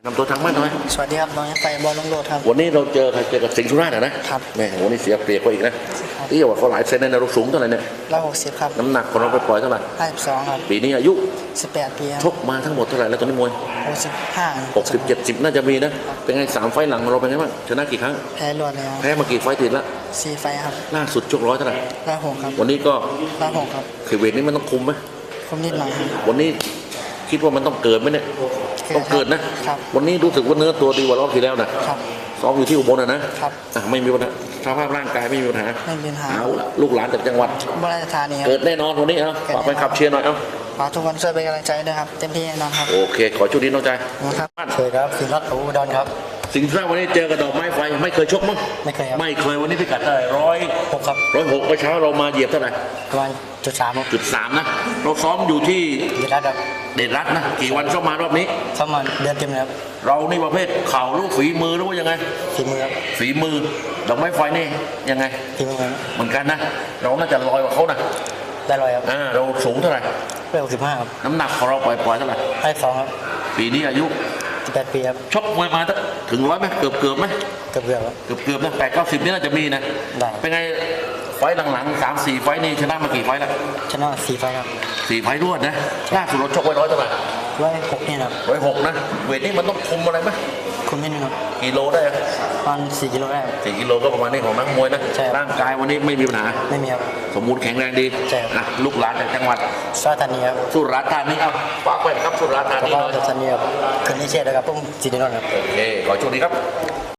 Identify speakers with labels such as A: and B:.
A: นำตัวทางบ้านหน่อย
B: สวัสดีครับน้องไฟบอลลงโลดครับ
A: วันนี้เราเจอใครเจอกับสิงห์สุราษฎร์นะครับแม่วันนี้เสียเปรียบเขาอีกนะที่ว่าเขาหลายเซนในเราสูงเท่าไหร่เนี่ย
B: 160ครับ
A: น้ำหนักของเราไปปล่อยเท่าไหร่
B: 52ครับ
A: ปีนี้อายุ
B: 18 ปี
A: ชกมาทั้งหมดเท่าไหร่แล้วตอนนี้มวย
B: 65
A: 60-70น่าจะมีนะเป็นไง3 ไฟล์หลังเราเป็นไงบ้างชนะกี่ครั้ง
B: แพ้รวดแล้ว
A: แพ้มากี่ไฟล์ติดละ
B: 4 ไฟครับ
A: ล่าสุดชกร้อยเท่าไหร่
B: 106ครับ
A: วันนี้ก็
B: 106ครับ
A: เวทนี้มันต้องคุมไหม
B: คุมนิดหน่อยครับ
A: วันนี้คิดว่ามันต้องเกิดไหมเนี่ยต้องเกิดนะครับวันนี้รู้สึกว่าเนื้อตัวดีกว่ารอบที่แล้วนะครับซ้อมอยู่ที่อุบลนะครับไม่มีปัญหาสภาพร่างกายไม่มีปัญหา
B: ไม่มีปัญหา
A: เอาละลูกหลานจากจังหวัด
B: อุบลราชธานี
A: เกิดแน่นอนวันนี้ฝากไปขับเชียร์หน่อย
B: ฝากทุกคนช่วยเป็นกำลังใจด้วยครับเต็มที่แน่นอนครับ
A: โอเคขอชุดนี้น้องใจ
B: ครับสวัสดีครับสิงห์รัตน์อุดรครับ
A: สิงห์สุราษฎร์วันนี้เจอกับดอกไม้ไฟไม่เคยชกมั้ง
B: ไม่เคยครับ
A: ไม่เคยวันนี้พิกัดเท่าไหร่106
B: ครับ
A: 106เมื่อเช้าเรามาเหยียบเท่าไหร่
B: ประมาณ
A: 3นะเราซ้อมอยู่ที่
B: เดชรัตน์
A: นะกี่วันซ้อมมารอบนี้
B: ซ้อมมาเดือนเต็มแล้ว
A: เรานี่ประเภทเข่าลูกฝีมือหรือว่ายังไง
B: ฝีมือครับ
A: ฝีมือดอกไม้ไฟนี่ยังไง
B: ฝีมือ
A: เหมือนกันนะเราน่าจะลอยกว่าเขานะ
B: ได้ลอยครับ
A: เราสูงเท่าไหร่
B: 165ครับ
A: น้ำหนักของเราปล่อยเท่าไหร่
B: 52ครับ
A: ปีนี้อายุ
B: 18 ปีครับ
A: ชกมวยมาถึง100ไหมเกือบไหม
B: เกือบครับ
A: เกือบนะ80-90นี่น่าจะมีนะเป็นไงไฟหลังๆ3-4 ไฟนี่ชนะมากี่ไฟแล้ว
B: ชนะ4 ไฟครับ
A: 4 ไฟรวดนะล่าสุดเราชกไว้100เท่าไหร่
B: 106นี่ครับ
A: 106นะเวทนี้มันต้องคุมอะไรไหม
B: คุมนิดนึงครับ
A: กิโลได้
B: ประมาณ4 กิโลได้
A: 4 กิโลก็ประมาณนี้ของนักมวยนะร่างกายวันนี้ไม่มีปัญหา
B: ไม่มีครับ
A: สมบูรณ์แข็งแรงดีลูกหลานจากจังหวัด
B: สุราษฎร์ธานีครับ
A: สุราษฎร์ธานีครับฝากไว้ครับสุราษฎร์ธานี
B: สุราษฎร์ธานีครับคืนนี้เชียร์เลยครับต้องจีนนท์ครับ
A: โอเคขอโชคดีครับ